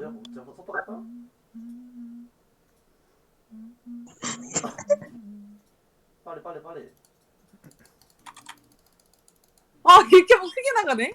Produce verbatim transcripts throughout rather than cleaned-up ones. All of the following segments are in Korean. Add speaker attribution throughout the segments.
Speaker 1: 제가 속도 갈까? 빨리 빨리 빨리.
Speaker 2: 아 이렇게 막 크게 나가네?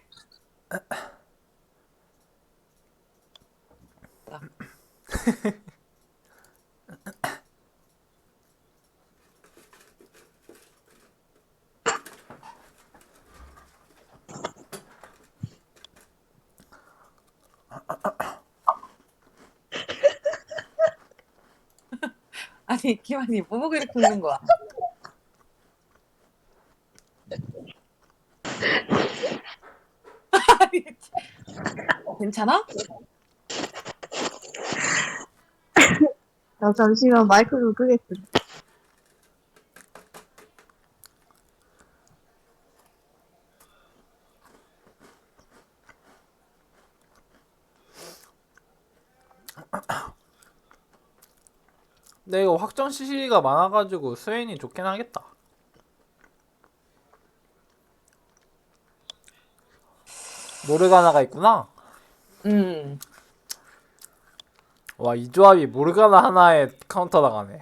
Speaker 2: 아니 기만이 뭐 보고 이렇게 웃는 거야? 아니, 괜찮아?
Speaker 3: 나 잠시만 마이크 좀 끄겠어.
Speaker 4: 근데 이거 확정 씨씨가 많아가지고 스웨인이 좋긴 하겠다. 모르가나가 있구나.
Speaker 2: 음.
Speaker 4: 와, 이 조합이 모르가나 하나에 카운터 당하네.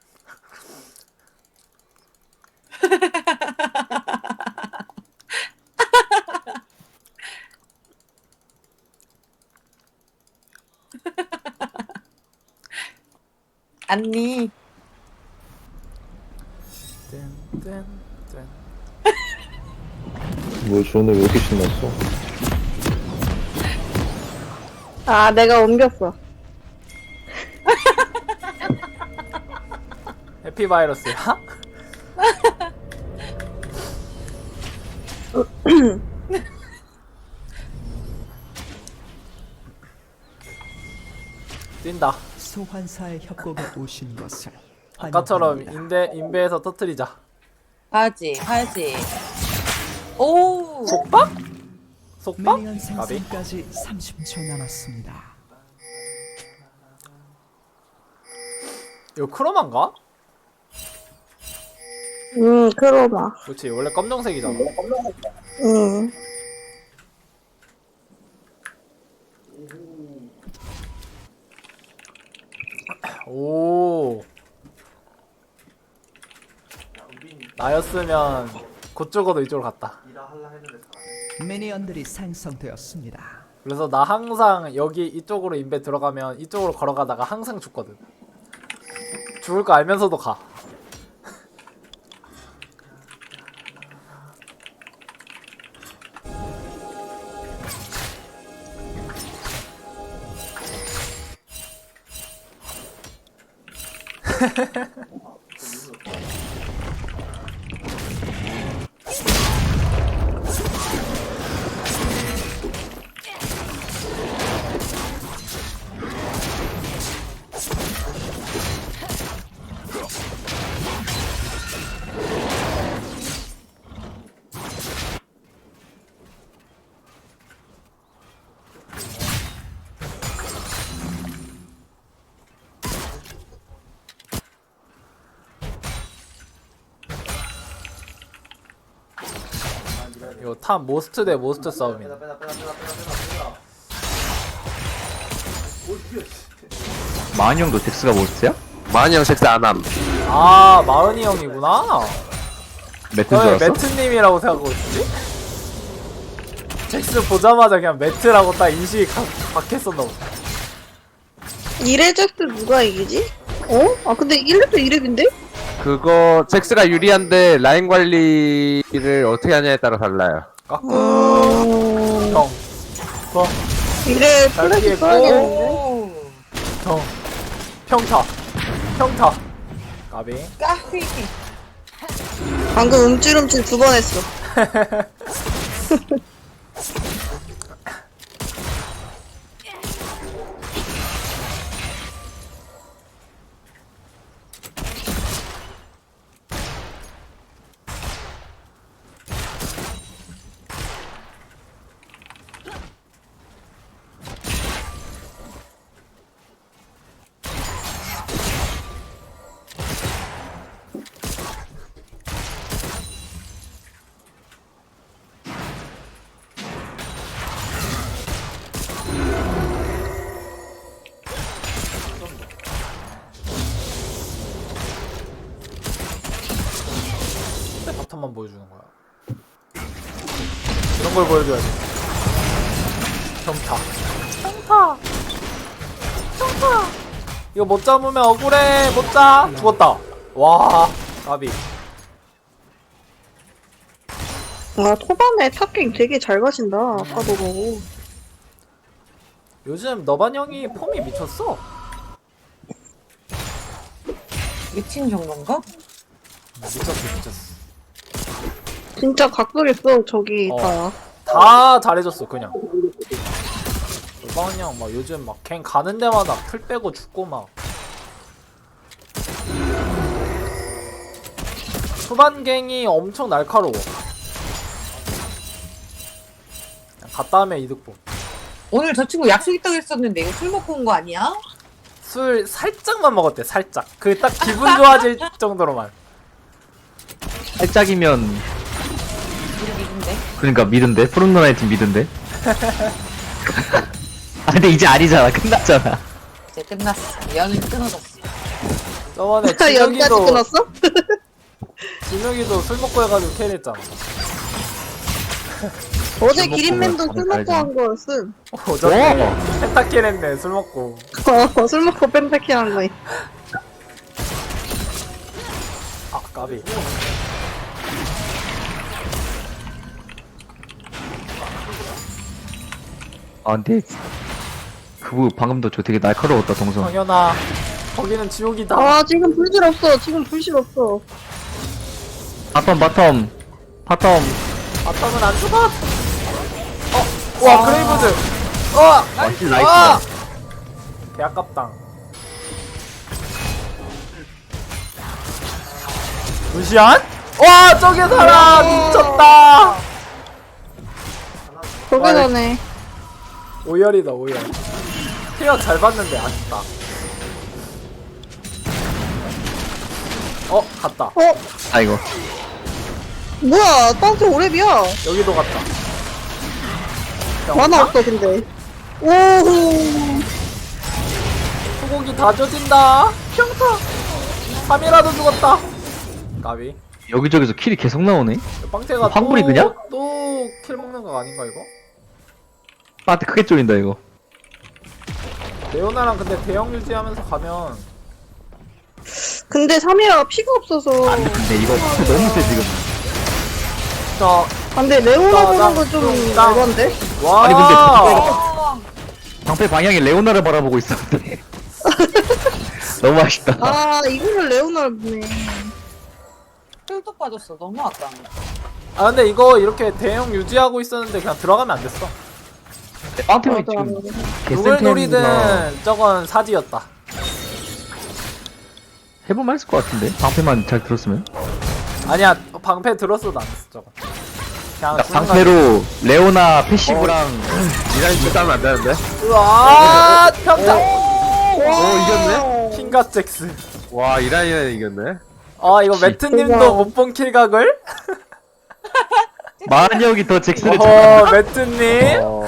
Speaker 2: 언니.
Speaker 4: 뜬뜬뜬.
Speaker 5: 뭐 주는데 왜 이렇게 신났어?
Speaker 3: 아, 내가 옮겼어.
Speaker 4: 해피바이러스야? 뛴다.
Speaker 6: 소환사의 협곡에 오신 것을
Speaker 4: 아까처럼
Speaker 6: 환영합니다.
Speaker 4: 인대, 인베에서 터트리자.
Speaker 2: 가야지 가야지. 오.
Speaker 4: 속박? 속박?
Speaker 6: 미니언
Speaker 4: 가비?
Speaker 6: 생성까지 삼십 초 남았습니다.
Speaker 4: 이거 크로만가?
Speaker 3: 응, 크로마.
Speaker 4: 그렇지, 원래 검정색이잖아.
Speaker 3: 응.
Speaker 4: 오. 나였으면 그쪽으로 이쪽으로 갔다.
Speaker 1: 일하 할라 했는데 잘하네.
Speaker 6: 미니언들이 생성되었습니다.
Speaker 4: 그래서 나 항상 여기 이쪽으로 인베 들어가면 이쪽으로 걸어가다가 항상 죽거든. 죽을 거 알면서도 가. 이거 탑 모스트 대 모스트 싸움이네.
Speaker 1: 빼다 빼다 빼다 빼다 빼다 빼다 빼다. 뭘 비벼.
Speaker 7: 마흔 형도 덱스가 뭐였어요?
Speaker 8: 마흔이 형 섹스 안함.
Speaker 4: 아, 마흔이 형이구나.
Speaker 7: 매트인 줄
Speaker 4: 왜
Speaker 7: 알았어?
Speaker 4: 매트님이라고 생각하고 있지? 잭스 보자마자 그냥 매트라고 딱 인식이 가, 박혔었나 보다.
Speaker 3: 이레젝트 누가 이기지? 어? 아, 근데 일렙도 이렙인데?
Speaker 8: 그거 섹스가 유리한데 라인 관리를 어떻게 하냐에 따라 달라요.
Speaker 4: 깎고
Speaker 3: 음...
Speaker 4: 형. 어,
Speaker 3: 이렙
Speaker 4: 잘
Speaker 3: 플래시
Speaker 4: 피했고.
Speaker 3: 써야겠는데?
Speaker 2: 오.
Speaker 4: 형. 평타. 평타. 까비.
Speaker 2: 까비.
Speaker 3: 방금 움찔움찔 두 번 했어.
Speaker 4: 보여주는 거야? 이런 걸 보여줘야 돼. 평타. 평타. 평타. 이거 못 잡으면 억울해. 못 잡. 죽었다. 와, 까비.
Speaker 3: 아, 초반에 탑갱 되게 잘 가신다. 아까도 보고.
Speaker 4: 요즘 너반 형이 폼이 미쳤어.
Speaker 2: 미친 정도인가?
Speaker 4: 미쳤어, 미쳤어.
Speaker 3: 진짜 각도겠어, 저기
Speaker 4: 어.
Speaker 3: 다.
Speaker 4: 다 잘해줬어, 그냥. 너반 형 막 요즘 막 갱 가는 데마다 풀 빼고 죽고 막. 초반 갱이 엄청 날카로워. 그냥 갔다 하면 이득 보.
Speaker 2: 오늘 저 친구 약속 있다고 했었는데 이거 술 먹고 온 거 아니야?
Speaker 4: 술 살짝만 먹었대, 살짝. 그 딱 기분 좋아질 정도로만.
Speaker 7: 살짝이면
Speaker 2: 우리 믿은데.
Speaker 7: 그러니까 미든데 푸른 누나의 팀 미든데. 아 근데 이제 아니잖아. 끝났잖아.
Speaker 2: 이제 끝났어. 연은 끊어졌어.
Speaker 4: 저번에
Speaker 3: 연까지
Speaker 4: 진혁이도
Speaker 3: 끊었어?
Speaker 4: 진혁이도 술 먹고 해가지고 캐리했잖아.
Speaker 3: 어제
Speaker 7: 먹고
Speaker 3: 기린맨도
Speaker 7: 그걸
Speaker 3: 술 먹고
Speaker 7: 알지.
Speaker 3: 한 거였음.
Speaker 4: 어저께 펜타킬 했네, 술 먹고.
Speaker 3: 어, 술 먹고 뺀백해 한 거임.
Speaker 4: 아, 까비.
Speaker 7: 아 근데 그거 방금도 저 되게 날카로웠다 동선.
Speaker 4: 정연아, 거기는 지옥이다.
Speaker 3: 아, 지금 불질 없어. 지금 불실 없어.
Speaker 7: 바텀 바텀 바텀.
Speaker 4: 바텀은 안 죽어. 어, 와, 그레이브즈. 어,
Speaker 7: 아, 킬 나이스다.
Speaker 4: 개 아깝당. 루시안? 와, 저게 살아. 미쳤다.
Speaker 3: 저기 전에.
Speaker 4: 오열이다, 오열. 케어 잘 봤는데 아쉽다. 어, 갔다.
Speaker 3: 어?
Speaker 7: 아이고.
Speaker 3: 뭐야, 땅스 오랩이야.
Speaker 4: 여기도 갔다.
Speaker 3: 만화 없어, 근데. 오호.
Speaker 4: 소고기 다 젖인다. 평타. 삼이라도 죽었다. 까비.
Speaker 7: 여기저기서 킬이 계속 나오네.
Speaker 4: 빵태가
Speaker 7: 황불이 그냥?
Speaker 4: 또킬 먹는 거 아닌가 이거?
Speaker 7: 빠한테 크게 쫄린다 이거.
Speaker 4: 레오나랑 근데 대형 유지하면서 가면
Speaker 3: 근데 삼이라가 피가 없어서.
Speaker 7: 안돼 근데 이거 너무 세 지금.
Speaker 4: 자,
Speaker 3: 근데 레오나
Speaker 4: 나,
Speaker 3: 보는
Speaker 4: 나,
Speaker 3: 거좀
Speaker 4: 나.
Speaker 3: 에반데?
Speaker 4: 와.
Speaker 7: 아니, 근데 방패가- 방패 방향이 레오나를 바라보고 있었는데. 너무 아쉽다.
Speaker 3: 아, 이거를 레오나를 보네.
Speaker 2: 혈도 빠졌어. 너무 아까워.
Speaker 4: 아 근데 이거 이렇게 대형 유지하고 있었는데 그냥 들어가면 안 됐어.
Speaker 7: 빵템이
Speaker 3: 맞아.
Speaker 7: 지금
Speaker 4: 누굴
Speaker 7: 개센템이구나.
Speaker 4: 노리든 저건 사지였다.
Speaker 7: 해볼만 했을 것 같은데 방패만 잘 들었으면.
Speaker 4: 아니야, 방패 들었어도 안 됐어 저건. 그냥
Speaker 7: 그러니까
Speaker 4: 순간-
Speaker 7: 방패로 레오나 패시브랑
Speaker 8: 이란이 싸면 안 되는데?
Speaker 4: 우와, 평타.
Speaker 8: 오, 이겼네?
Speaker 4: 킹갓 잭스.
Speaker 8: 와, 이란이는 이겼네?
Speaker 4: 아 이거 매트님도 못 본 킬각을?
Speaker 7: 만혁이 더 잭스를
Speaker 4: 어, 매트님.
Speaker 8: 어.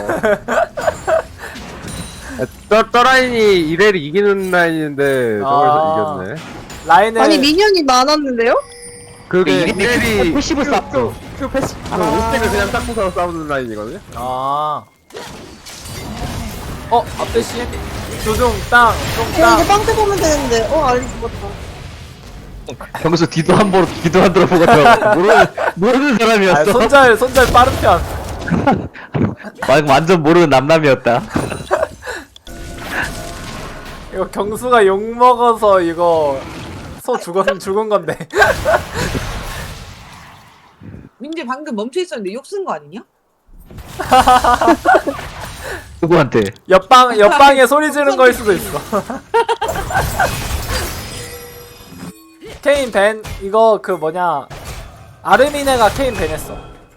Speaker 8: 떠, 떠라인이 이래를 이기는 라인인데, 저걸
Speaker 4: 아.
Speaker 8: 이겼네.
Speaker 4: 라인을
Speaker 3: 아니, 미니언이 많았는데요?
Speaker 8: 그게
Speaker 7: 이래
Speaker 8: 이래리
Speaker 7: 패시브 쌌어.
Speaker 8: 그 패시, 그 오스택을 그냥 딱 부숴서 싸우는 라인이거든요?
Speaker 4: 아. 어, 앞대시. 조종 땅,
Speaker 3: 어, 이거
Speaker 4: 똥땅.
Speaker 3: 빵태 보면 되는데. 어, 알리 죽었다.
Speaker 7: 경수 뒤도 한 번 뒤도 안 돌아보고 저 모르는 모르는
Speaker 4: 아,
Speaker 7: 사람이었어.
Speaker 4: 손절, 손절 빠른 편.
Speaker 7: 막 완전 모르는 남남이었다.
Speaker 4: 이거 경수가 욕 먹어서 이거 소 죽은 죽은 건데.
Speaker 2: 민재 방금 멈춰 있었는데 욕 쓴 거 아니냐?
Speaker 7: 누구한테?
Speaker 4: 옆방 옆방에 소리 지른 거일 수도 있어. 케인 벤 이거 그 뭐냐 아르미네가 케인 벤했어.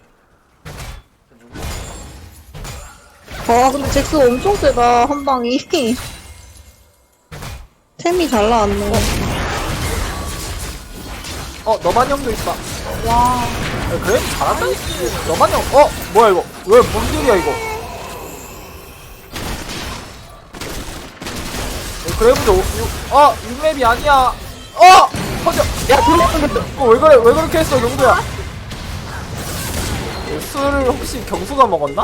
Speaker 3: 아, 근데 잭스 엄청 세다, 한 방이. 템이 잘 나왔네.
Speaker 4: 어 너만 형도 있다. 와. 야, 그래 잘한다. 너만 형. 어 뭐야 이거? 왜 뭔 일이야 이거? 어, 그래브도 어 육맵이 아니야. 어 퍼져. 야 돌아간다. 어왜 그래 왜 그렇게 했어 용도야? 술을 혹시 경수가 먹었나?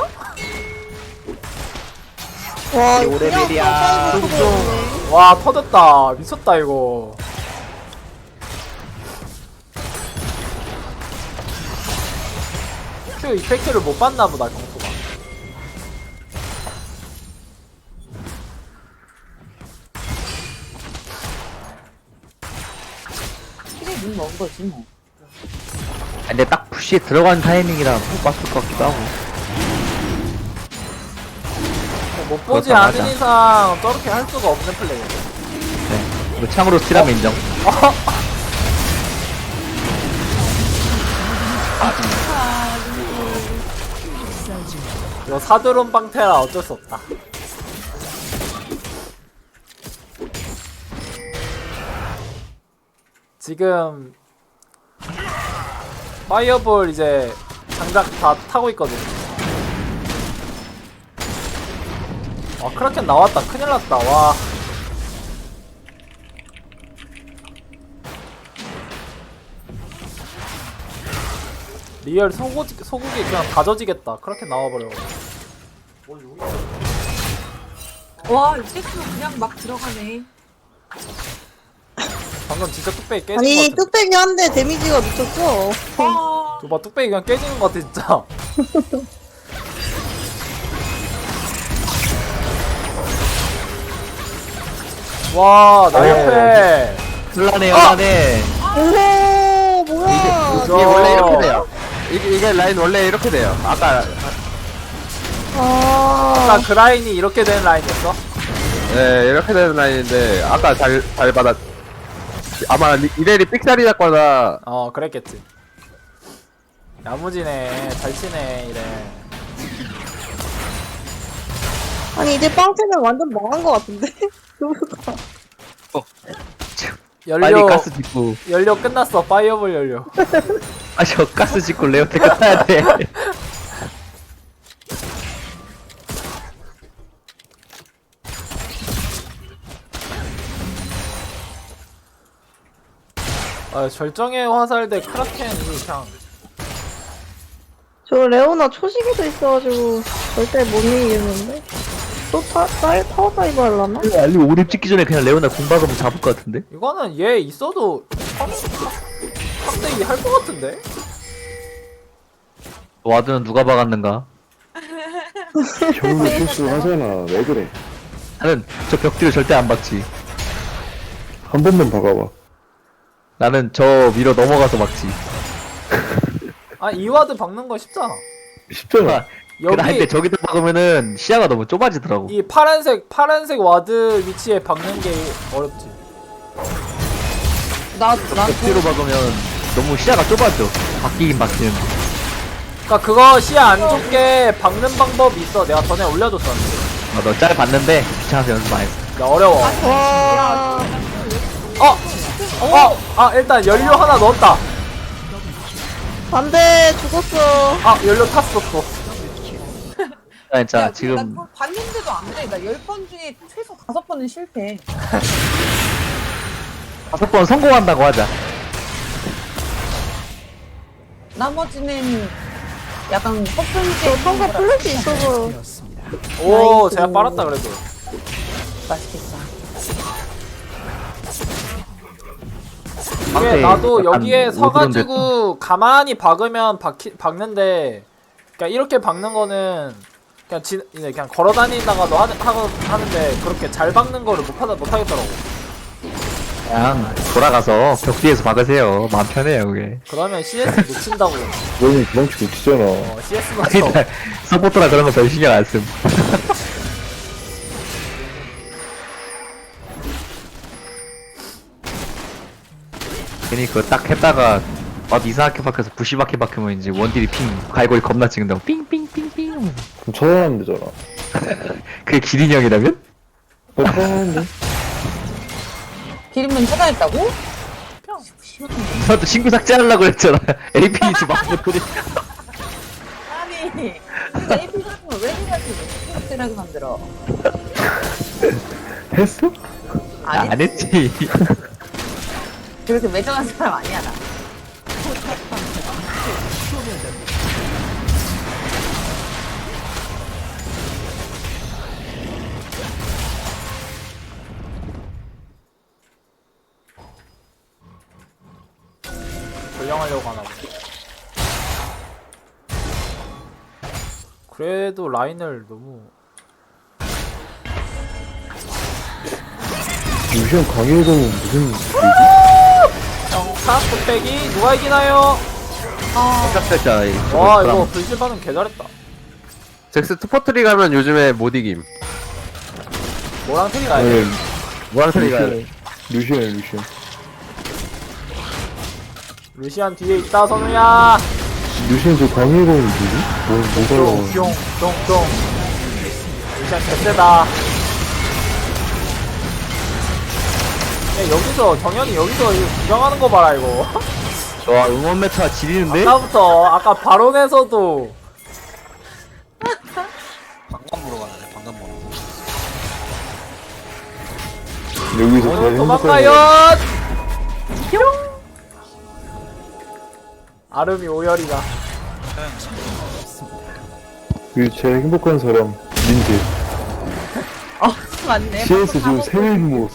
Speaker 3: 와, 이거
Speaker 7: 오레벨이야.
Speaker 3: 그냥 top
Speaker 4: 와 터졌다. 미쳤다 이거. 그 이펙트를 못 봤나 보다 경수가.
Speaker 2: 그래 눈 먹은 거지 뭐.
Speaker 7: 근데 딱 푸시에 들어간 타이밍이라 못 봤을 것 같기도 하고.
Speaker 4: 못 보지
Speaker 7: 그렇다,
Speaker 4: 않은
Speaker 7: 맞아.
Speaker 4: 이상 저렇게 할 수가 없는 플레이.
Speaker 7: 네. 이거 참으로 스틸하면 인정.
Speaker 4: 이거 사드론 빵테라 어쩔 수 없다. 지금 파이어볼 이제 장작 다 타고 있거든. 아 크라켄 나왔다. 큰일 났다. 와. 리얼 소고기, 소고기 그냥 다 젖이겠다. 크라켄 나와버려.
Speaker 1: 뭘 여기
Speaker 2: 와 이제도 그냥 막 들어가네.
Speaker 4: 방금 진짜 뚝배기 깨진
Speaker 3: 아니,
Speaker 4: 것 같은데.
Speaker 3: 뚝배기 한 대 데미지가 미쳤어.
Speaker 2: 와
Speaker 4: 저봐 뚝배기 그냥 깨지는 것 같아 진짜. 와, 나 옆에.
Speaker 7: 혼란해, 혼란해.
Speaker 3: 오, 뭐야.
Speaker 4: 그죠?
Speaker 8: 이게 원래 이렇게 돼요. 이게, 이게 라인 원래 이렇게 돼요. 아까
Speaker 3: 아,
Speaker 4: 아까 그 라인이 이렇게 된 라인이었어?
Speaker 8: 네 이렇게 되는 라인인데 아까 잘 잘 받았. 아마 리- 이래리 삑사리 났거나
Speaker 4: 어, 그랬겠지. 야무지네, 잘 치네, 이래.
Speaker 3: 아니, 이제 빵태는 완전 망한 것 같은데?
Speaker 7: 빨리
Speaker 4: 연료,
Speaker 7: 가스 짓고.
Speaker 4: 연료 끝났어, 파이어볼 연료.
Speaker 7: 아, 저 가스 짓고 레오 테크 타야 돼.
Speaker 4: 아, 절정의 화살 대 크라켄이 그냥.
Speaker 3: 저 레오나 초시기도 있어가지고 절대 못 이기겠는데? 또 타, 타, 타워 다이브 하려나?
Speaker 7: 알리 오립 찍기 전에 그냥 레오나 공 박으면 잡을 것 같은데?
Speaker 4: 이거는 얘 있어도 탑대기 할 것 같은데?
Speaker 7: 와드는 누가 박았는가?
Speaker 5: 형도 실수하잖아. 왜 그래?
Speaker 7: 나는 저 벽뒤를 절대 안 박지.
Speaker 5: 한 번만 박아봐.
Speaker 7: 나는 저 위로 넘어가서 막지.
Speaker 4: 아, 이와드 박는 거 쉽잖아.
Speaker 5: 쉽잖아.
Speaker 7: 여기... 근데
Speaker 4: 여기
Speaker 7: 저기다 박으면은 시야가 너무 좁아지더라고.
Speaker 4: 이 파란색 파란색 와드 위치에 박는 게 어렵지.
Speaker 2: 나난
Speaker 7: 벽뒤로 박으면 너무 시야가 좁아져. 바뀌긴 바뀌는.
Speaker 4: 그러니까 그거 시야 안 좁게 박는 방법이 있어. 내가 전에 올려줬었는데.
Speaker 7: 아, 너 짤 봤는데 귀찮아서 연습 안 했어.
Speaker 4: 야, 어려워.
Speaker 3: 와,
Speaker 4: 어! 어! 아, 일단 연료 하나 넣었다.
Speaker 3: 안 돼, 죽었어.
Speaker 4: 아, 연료 탔어 또.
Speaker 7: 아, 진짜
Speaker 2: 야,
Speaker 7: 지금
Speaker 2: 나 그거 봤는데도 안 돼. 나 열 번 중에 최소 다섯 번은 실패.
Speaker 7: 다섯 번 성공한다고 하자.
Speaker 2: 나머지는 약간
Speaker 3: 저
Speaker 2: 허풍제
Speaker 3: 성가 플래시 있어서.
Speaker 6: 되었습니다.
Speaker 4: 오,
Speaker 3: 나이스.
Speaker 4: 제가 빨았다 그래도.
Speaker 2: 맛있겠다.
Speaker 4: 이게
Speaker 7: 상대
Speaker 4: 나도
Speaker 7: 약간
Speaker 4: 여기에
Speaker 7: 오드론
Speaker 4: 서가지고 가만히 박으면 박히, 박는데, 그러니까 이렇게 박는 거는 그냥 지, 이제 그냥 걸어 다니다가도 하, 하, 하는데 그렇게 잘 박는 거를 못, 하다, 못 하겠더라고.
Speaker 7: 그냥 돌아가서 벽 뒤에서 박으세요. 마음 편해요 그게.
Speaker 4: 그러면 씨에스 놓친다고.
Speaker 5: 너는 도망치고 있잖아.
Speaker 4: 어, 씨에스 놓쳐.
Speaker 7: 아니, 서포터라 그런 거 별 신경 안 씀. 괜히 그거 딱 했다가 와도 이상하게 박혀서 부시박해 박히면 이제 원딜이 핑 갈고리 겁나 찍는다고 삥삥삥삥.
Speaker 5: 그럼 처단하면 되잖아.
Speaker 7: 그게 기린형이라면?
Speaker 5: 어, 처단하는데?
Speaker 2: 기름은 차단했다고?
Speaker 7: 너도 친구 삭제하려고 했잖아. 에이피지 막 그래.
Speaker 2: 아니 근데 에이피 같은 걸왜 해가지고 삭제라고 만들어?
Speaker 5: 했어?
Speaker 2: 아니
Speaker 7: 안 했지.
Speaker 2: 그렇게 매정한 사람 아니야 나.
Speaker 4: 그래도 라인을 너무
Speaker 5: 루시안 강해도 무슨 일이지?
Speaker 4: 영차 뚝배기 누가 이기나요?
Speaker 7: 깜짝이야.
Speaker 4: 와 이거 불실 반응 개 잘했다.
Speaker 8: 잭스 투퍼트리 가면 요즘에 못 이김.
Speaker 4: 뭐랑 틀이 가야 돼?
Speaker 5: 아니
Speaker 8: 무한트리 가야 돼.
Speaker 5: 루시안 루시안 루시안
Speaker 4: 루시안 뒤에 있다 선우야.
Speaker 5: 루시안 저 강해도 누구지? 뭐 뭐가
Speaker 4: 뿅뿅뿅. 루시안 개쎄다. 야, 여기서 정현이 여기서 이거 구경하는 거 봐라 이거.
Speaker 7: 와 응원 메타 지리는데?
Speaker 4: 아까부터 아까 바론에서도
Speaker 1: 방금 보러 가네. 방금 보러.
Speaker 5: 여기서
Speaker 4: 오늘
Speaker 5: 제일
Speaker 4: 도망가요.
Speaker 5: 행복한
Speaker 4: 아름이 오열이가.
Speaker 5: 그 제일 행복한 사람 민재
Speaker 2: 어 맞네.
Speaker 5: 씨에스 지금
Speaker 2: 방금
Speaker 5: 세 명 모았어.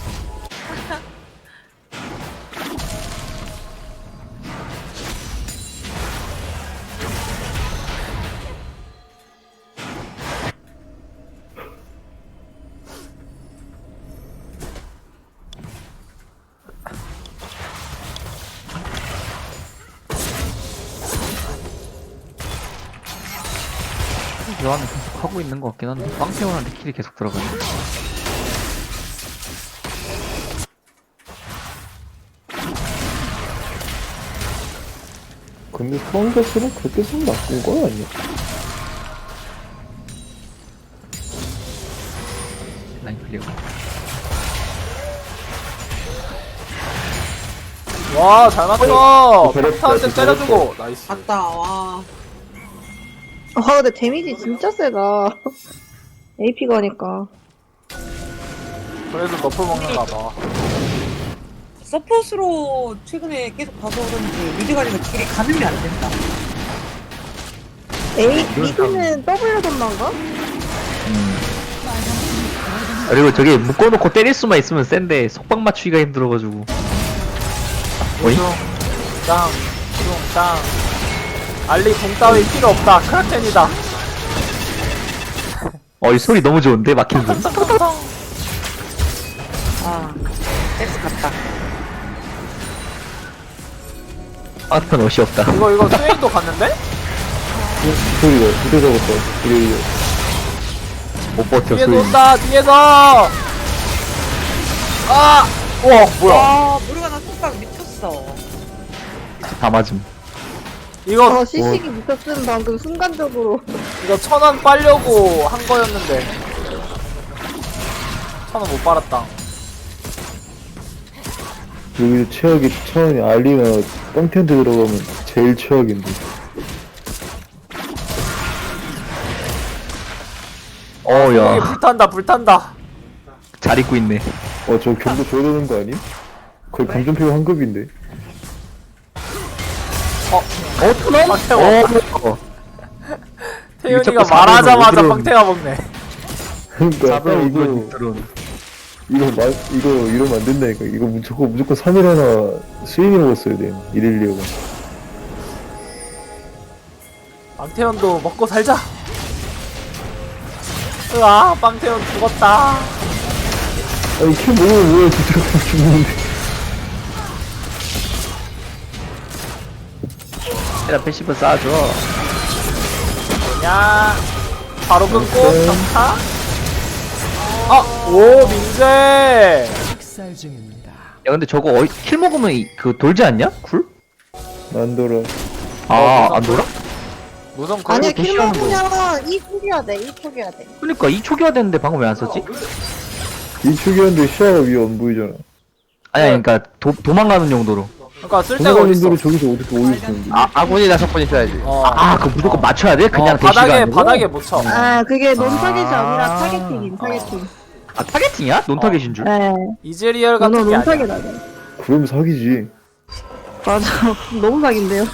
Speaker 7: 교환은 계속 하고 있는 것 같긴 한데 빵태원한테 킬이 계속 들어가네.
Speaker 5: 근데 소환자수는 그렇게 좀 나쁜 건 아니야.
Speaker 7: 라인 클리어.
Speaker 4: 와 잘 맞춰.
Speaker 5: 어, 잘했다,
Speaker 4: 평타한테
Speaker 5: 잘했다.
Speaker 4: 때려주고 나이스.
Speaker 2: 갔다 와.
Speaker 3: 아 근데 데미지 진짜 세다. 에이피가 하니까.
Speaker 4: 그래도 너프 먹는가 봐.
Speaker 2: 서폿으로 최근에 계속 봐서 그런지 미드 관리가 딜이 가늠이 안 된다.
Speaker 3: 에이 미드는 W 돈만가?
Speaker 7: 그리고 저기 묶어놓고 때릴 수만 있으면 센데 속박 맞추기가 힘들어가지고. 어이?
Speaker 4: 짱, 짱. 알리 공 따위 필요 없다. 크라켄이다.
Speaker 7: 어 이 소리 너무 좋은데 막힌 소리.
Speaker 2: 아, 섹스 같다.
Speaker 7: 아트는 옷이 없다.
Speaker 4: 이거 이거 스웨인도 갔는데?
Speaker 5: 그 소리가 두대 잡았다. 이래 이래.
Speaker 7: 못 버텨
Speaker 4: 뒤에서
Speaker 7: 소리.
Speaker 4: 온다. 뒤에서. 아, 우와 뭐야?
Speaker 2: 와, 모르가나 속박 미쳤어.
Speaker 7: 다 맞음.
Speaker 4: 이거
Speaker 3: 아 시식이 미쳤음 방금 순간적으로.
Speaker 4: 이거 천 원 빨려고 한 거였는데 천 원 못 빨았다.
Speaker 5: 여기서 최악이 천원이 알리나 뻥텐트 들어가면 제일 최악인데.
Speaker 4: 여기
Speaker 7: 어야
Speaker 4: 불탄다 불탄다.
Speaker 7: 잘 입고 있네.
Speaker 5: 어 저 경도 줘야 되는 거 아님? 거의 감전표 환급인데.
Speaker 4: 어
Speaker 7: 어트넘?
Speaker 4: 박태원.
Speaker 7: 어.
Speaker 4: 태윤이가
Speaker 7: 자꾸
Speaker 4: 말하자마자
Speaker 5: 사람을
Speaker 4: 방태가 먹네.
Speaker 5: 그러니까 딱
Speaker 7: 잡으러
Speaker 5: 이거
Speaker 7: 이거 드론.
Speaker 5: 이거 마, 이거 이러면 안 된다니까. 이거 무조건 무조건 삼 일 하나 스윙이 먹었어야 돼. 이렐리오가.
Speaker 4: 빵태현도 먹고 살자. 으아 빵태현 죽었다.
Speaker 5: 아니 킬 먹으면 뭐야 진짜 죽는데.
Speaker 7: 얘랑 패시브 쌓아줘.
Speaker 4: 뭐냐 바로 끊고 경타. 아오 민재.
Speaker 6: 식살 중입니다.
Speaker 7: 야 근데 저거 어이, 킬 먹으면 이, 그 돌지 않냐? 쿨?
Speaker 5: 안 돌아.
Speaker 7: 아 안 돌아?
Speaker 4: 무슨 그
Speaker 3: 아니야
Speaker 7: 그거
Speaker 3: 킬
Speaker 7: 도시하는 거.
Speaker 3: 먹으면 이 초기화 돼. 이 초기화 돼.
Speaker 7: 그러니까 이 초기화 됐는데 방금 왜 안 썼지?
Speaker 5: 이 축이었는데 시야가 위에 안 보이잖아.
Speaker 7: 아니야 그러니까 도, 도망가는 용도로.
Speaker 4: 그러니까 쓸 데가 어딨어.
Speaker 5: 도망가는 저기서 어떻게 오일 수 있는데.
Speaker 8: 아, 아군이나 석분이 있어야지.
Speaker 4: 어,
Speaker 7: 아 그거 무조건 맞춰야 돼? 그냥
Speaker 4: 어,
Speaker 7: 대시가
Speaker 4: 바닥에
Speaker 7: 아니고?
Speaker 4: 바닥에 못 쳐.
Speaker 3: 아 그게 논 타겟이
Speaker 7: 아.
Speaker 3: 아니라 타겟팅임 타겟팅.
Speaker 7: 아 타겟팅이야? 논타겟인 줄?
Speaker 3: 네.
Speaker 4: 이즈리얼
Speaker 3: 논
Speaker 4: 같은 게
Speaker 3: 논
Speaker 4: 아니야.
Speaker 3: 타겟 아니야.
Speaker 5: 그럼 사기지.
Speaker 3: 맞아. 너무 사기인데요.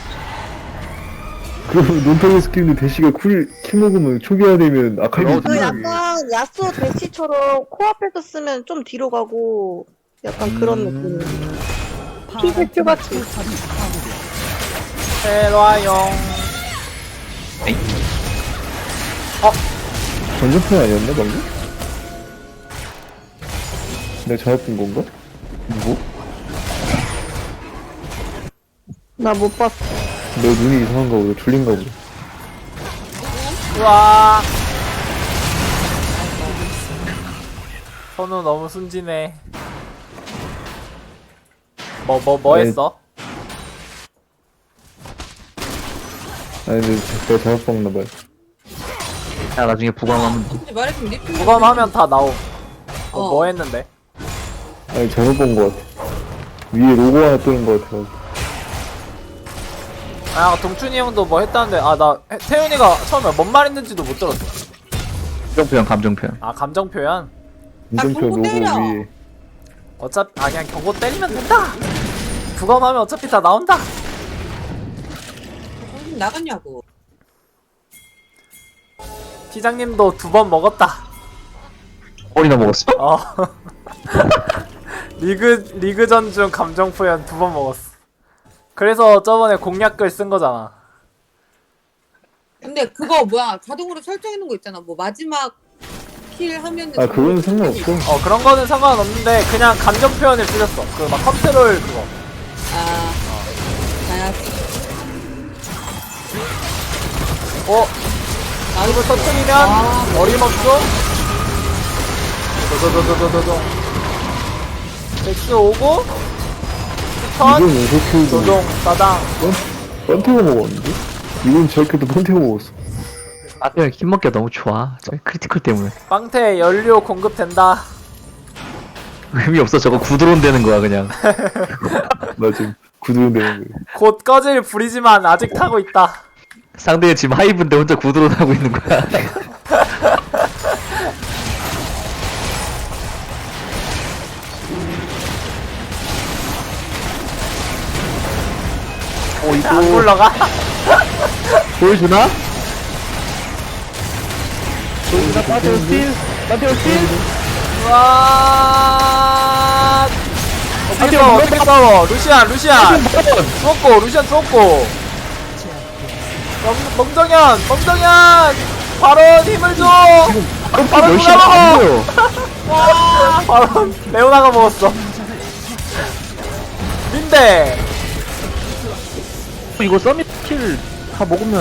Speaker 5: 그럼 논타겟 스킬인데 대시가 쿨, 킬 먹으면 초기화되면 아칼리
Speaker 3: 그 약간 야스오 대치처럼 코앞에서 쓰면 좀 뒤로 가고 약간 그런 느낌. 피지큐 같은.
Speaker 4: 테라용.
Speaker 5: 전전편 아니었나 방금? 내가 잘못 본 건가? 뭐?
Speaker 3: 나 못 봤어.
Speaker 5: 너 눈이 이상한가 보다. 졸린가 보다.
Speaker 4: 우와. 선우 너무 순진해. 뭐 뭐 뭐
Speaker 5: 아니,
Speaker 4: 했어?
Speaker 5: 아니 근데 내가 잘못 봤나 봐요.
Speaker 7: 야 나중에 부광하면
Speaker 2: 근데 말해주면 리필.
Speaker 4: 부검하면 다 나옴. 뭐,
Speaker 2: 어.
Speaker 4: 뭐 했는데?
Speaker 5: 아니 잘못 본 거 같아. 위에 로고 하나 뜨는 거 같아.
Speaker 4: 아 동춘이 형도 뭐 했다는데 아 나 태윤이가 처음에 뭔 말 했는지도 못 들었어.
Speaker 7: 감정 표현 감정 표현.
Speaker 4: 아 감정 표현?
Speaker 5: 인정표
Speaker 2: 경고
Speaker 5: 로고
Speaker 2: 때려.
Speaker 5: 위에.
Speaker 4: 어차피 아 그냥 경고 때리면 된다. 부검하면 어차피 다 나온다.
Speaker 2: 정신 나갔냐고.
Speaker 4: 피장님도 두 번 먹었다.
Speaker 7: 꼴이나 먹었어?
Speaker 4: 어. 리그 리그전 중 감정 표현 두 번 먹었어. 그래서 저번에 공략글 쓴 거잖아.
Speaker 2: 근데 그거 뭐야 자동으로 설정해놓은 거 있잖아. 뭐 마지막 킬 하면은.
Speaker 5: 아 그건 상관없어.
Speaker 4: 어 그런 거는 상관없는데 그냥 감정 표현을 쓰셨어. 그 막 컨트롤 그거.
Speaker 2: 아. 아.
Speaker 4: 어? 이걸 터트리면
Speaker 2: 아.
Speaker 4: 어림없어? 도도도도도도도. 백스 오고 턴
Speaker 5: 이건 연속 킬도
Speaker 4: 조종 따당.
Speaker 5: 번태고 먹었는데? 이건 저렇게도 번태고 먹었어.
Speaker 7: 아 그냥 힘 먹기가 너무 좋아. 저 크리티컬 때문에
Speaker 4: 빵태 연료 공급된다.
Speaker 7: 의미 없어. 저거 구드론 되는 거야 그냥.
Speaker 5: 나 지금 구두로 되는 거야.
Speaker 4: 곧 꺼질 불이지만 아직 타고 있다.
Speaker 7: 상대 지금 하이브인데 혼자 구드론 하고 있는 거야. 어 이거
Speaker 4: 안 굴러가?
Speaker 7: 보여주나? 보여주나? 빠테오 스틸? 빠테오 스틸?
Speaker 4: 와. 어떻게 싸워? 어떻게 싸워? 루시안, 루시안. 죽었고, 루시안 죽었고. 멍, 멍정현, 멍정현. 바로 힘을 줘. 바로
Speaker 7: 열심히
Speaker 4: 누가
Speaker 7: 안
Speaker 4: 먹어?
Speaker 7: 보여.
Speaker 4: 와, 바로 레오나가 먹었어. 민대.
Speaker 7: 이거 서밋 킬 다 먹으면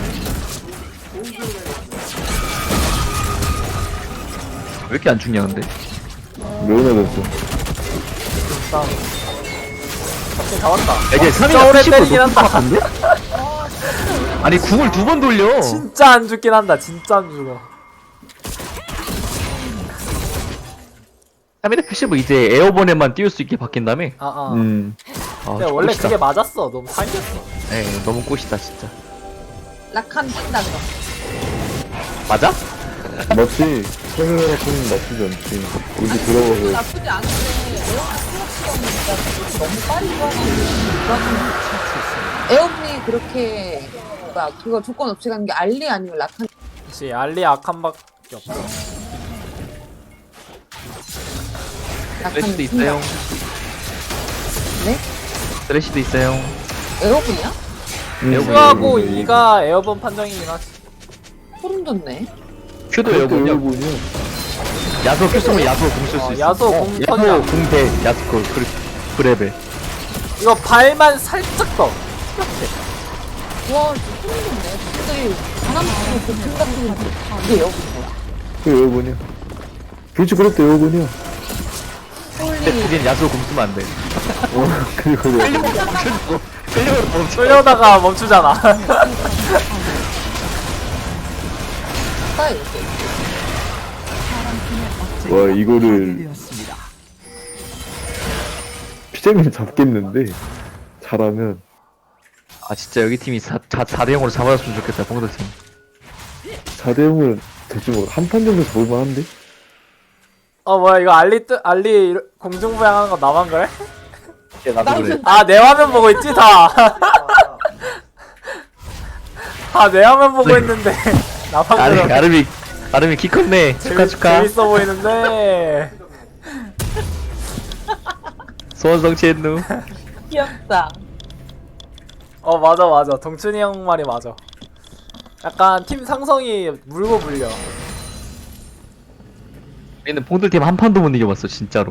Speaker 7: 왜 이렇게 안 죽냐 근데?
Speaker 5: 레오나 됐어.
Speaker 4: 다음. 갑자기 잡았다.
Speaker 7: 이게
Speaker 4: 진짜 오래 때리긴 한다.
Speaker 7: 같은데? 아니 궁을 두 번 돌려.
Speaker 4: 진짜 안 죽긴 한다. 진짜 안 죽어.
Speaker 7: 삼 일 패시브 이제 에어본에만 띄울 수 있게 바뀐 다음에.
Speaker 4: 아, 아.
Speaker 5: 음.
Speaker 7: 아,
Speaker 4: 근데 원래
Speaker 7: 꽃이다.
Speaker 4: 그게 맞았어. 너무 사기였어.
Speaker 7: 네, 너무 꽃이다 진짜.
Speaker 2: 락한 뛴다 그럼.
Speaker 7: 맞아?
Speaker 5: 마치 카메라 같은 나쁘지 않지. 어디 들어가서
Speaker 2: 나쁘지 않은데 에어컨 틀어치우니까 너무 빨리 좋아하는 에어컨이 그렇게 뭐야 그거 조건 없이 가는 게 알리 아니면 락한.
Speaker 4: 그치. 알리 악한밖에 없어.
Speaker 7: 쓰레쉬도 있어요.
Speaker 2: 네?
Speaker 7: 쓰레쉬도 있어요.
Speaker 2: 에어컨이야?
Speaker 4: Q하고 E가 에어본 판정이긴 하지.
Speaker 2: 소름 돋네.
Speaker 7: 큐도
Speaker 5: 그것도
Speaker 7: 에어본이야.
Speaker 5: 에어본이야.
Speaker 7: 야소 큐 쓰면 야소 공 쓸 수
Speaker 4: 어,
Speaker 7: 있어.
Speaker 4: 야소
Speaker 7: 어,
Speaker 4: 공 터져.
Speaker 7: 야소 공대 야소 그 그- 그래벨.
Speaker 4: 이거 발만 살짝 더. 이렇게.
Speaker 2: 와 진짜 소름 돋네. 진짜이 바람 치고 고풍 같은 거 이게 에어컨이야?
Speaker 5: 그 에어본이야. 브리츠 그룹도 에어본이야.
Speaker 7: 근데
Speaker 2: 홀리.
Speaker 7: 거긴 야소 공 쓰면 안 돼.
Speaker 5: 어, 그리고 에어본.
Speaker 7: 끌려고 멈춰.
Speaker 4: 쏠려다가 멈추잖아.
Speaker 2: 아 이렇게.
Speaker 5: 와 이거를
Speaker 6: 되었습니다.
Speaker 5: 피자님 잡겠는데 잘하면
Speaker 7: 아 진짜 여기 팀이 사 대 영으로 잡아줬으면 좋겠다 봉도 팀.
Speaker 5: 사 대 영은 될줄 모르. 한판 정도에서 볼만한데?
Speaker 4: 어 뭐야 이거 알리 뜨 알리 공중부양하는 거 나만 그래?
Speaker 7: 야 나도 그래.
Speaker 4: 아 내 화면 보고 있지 다. 다 내 화면 보고 있는데 나만
Speaker 7: 아르
Speaker 4: 그래.
Speaker 7: 아르미 아르미 키 컸네. 축하
Speaker 4: 재밌,
Speaker 7: 축하.
Speaker 4: 재밌어 보이는데.
Speaker 7: 소원 성취했누.
Speaker 2: 귀엽다.
Speaker 4: 어 맞아 맞아. 동춘이 형 말이 맞아. 약간 팀 상성이 물고 물려.
Speaker 7: 우리는 봉들팀 한 판도 못 이겨봤어 진짜로.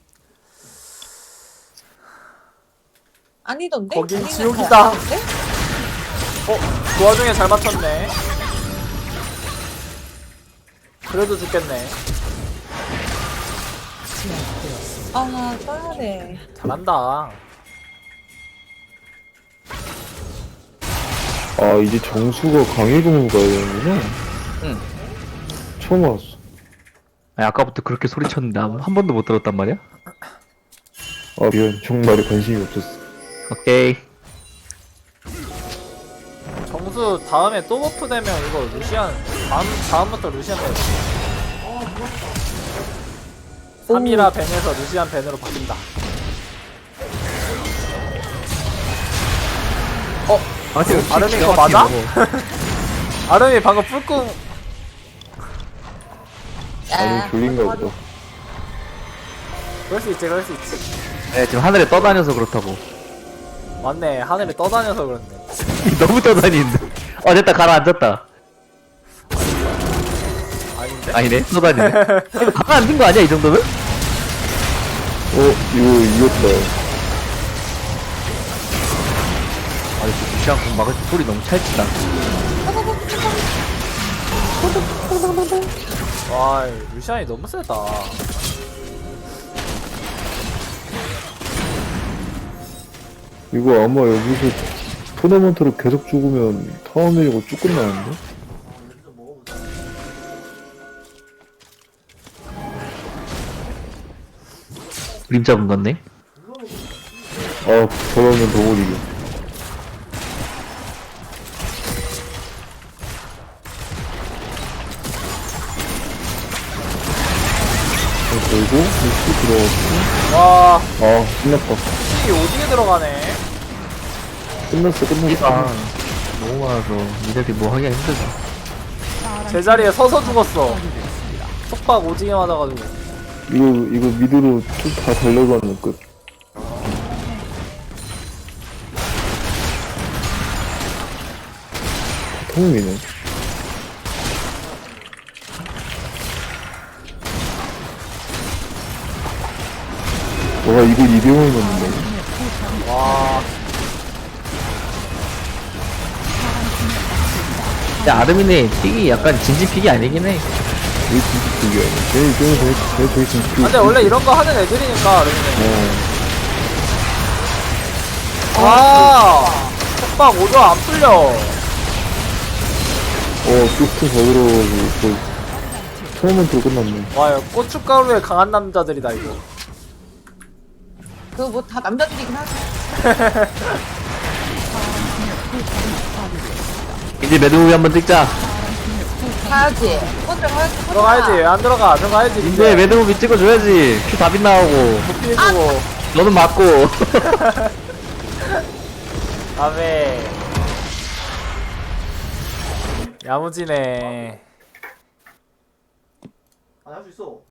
Speaker 2: 아니던데?
Speaker 4: 거긴
Speaker 2: 아니면
Speaker 4: 지옥이다.
Speaker 2: 더 아닌데?
Speaker 4: 어? 그 와중에 잘 맞췄네. 그래도 죽겠네.
Speaker 2: 아, 나 써야 돼.
Speaker 4: 잘한다.
Speaker 5: 아 이제 정수가 강해금으로 가야 되는구나.
Speaker 7: 응.
Speaker 5: 처음 알았어.
Speaker 7: 아니, 아까부터 그렇게 소리쳤는데 한, 한 번도 못 들었단 말이야?
Speaker 5: 아 미안, 정말에 관심이 없었어.
Speaker 7: 오케이.
Speaker 4: 정수 다음에 또 버프 되면 이거 루시안 다음, 다음부터 루시안 돼. 삼이라 벤에서 루시안 벤으로 바뀐다. 어?
Speaker 7: 아, 지금
Speaker 4: 아름이 이거 맞아? 아름이 방금 뿔꿍.
Speaker 5: 아니 졸린가 보다.
Speaker 4: 그럴 수 있지, 그럴 수 있지.
Speaker 7: 네, 지금 하늘에 떠다녀서 그렇다고.
Speaker 4: 맞네, 하늘에 떠다녀서 그렇네.
Speaker 7: 너무 떠다니는데. 어, 됐다, 가라앉았다.
Speaker 4: 아닌데?
Speaker 7: 아니네, 떠다니네. 이거 가라앉은 거 아니야, 이 정도면?
Speaker 5: 어 이거 이겼다.
Speaker 7: 아니, 저 무시한 공 막을 때 소리 너무 찰지다.
Speaker 4: 와, 루시안이 너무 세다.
Speaker 5: 이거 아마 여기서 토너먼트로 계속 죽으면 타워 밀고 쭉 끝나는데?
Speaker 7: 그림자 분 같네.
Speaker 5: 아 저러면 더 못 이겨. 그리고 루시 들어갔고.
Speaker 4: 와,
Speaker 5: 아 끝났다.
Speaker 4: 수식이 오지게 들어가네.
Speaker 5: 끝났어 끝났어.
Speaker 7: 아, 너무 많아서 니들이 뭐 하기가 힘들다.
Speaker 4: 제자리에 서서 죽었어. 속박 오지게 맞아가지고.
Speaker 5: 이거 이거 미드로 쭉 다 달려가는 끝. 통이네. 너가 이거 이병을 넣는다.
Speaker 4: 와,
Speaker 7: 야, 아르민의 픽이 약간 진지픽이 아니긴 해.
Speaker 5: 왜 진짜 그게 아니야? 쟤, 쟤, 쟤, 쟤, 쟤 진짜 그.
Speaker 4: 근데 원래 이런 거 하는 애들이니까, 아르미는.
Speaker 5: 어,
Speaker 4: 와, 속박 오조 안 풀려.
Speaker 5: 어, 쇼트 더 들어가지고, 거의, 토너먼트로 끝났네.
Speaker 4: 와, 이거 고춧가루에 강한 남자들이다, 이거.
Speaker 2: 그거 뭐 다 남자들이긴 하지.
Speaker 7: 이제 매드무비 한번 찍자.
Speaker 2: 가야지. 먼저 가야지.
Speaker 4: 들어가야지. 왜 안 들어가? 들어가야지.
Speaker 7: 이제 매드무비 찍어줘야지. 큐 다 빗나오고.
Speaker 4: 피해주고.
Speaker 7: 너는 맞고.
Speaker 4: 다음에 야무지네. 아, 할 수 있어.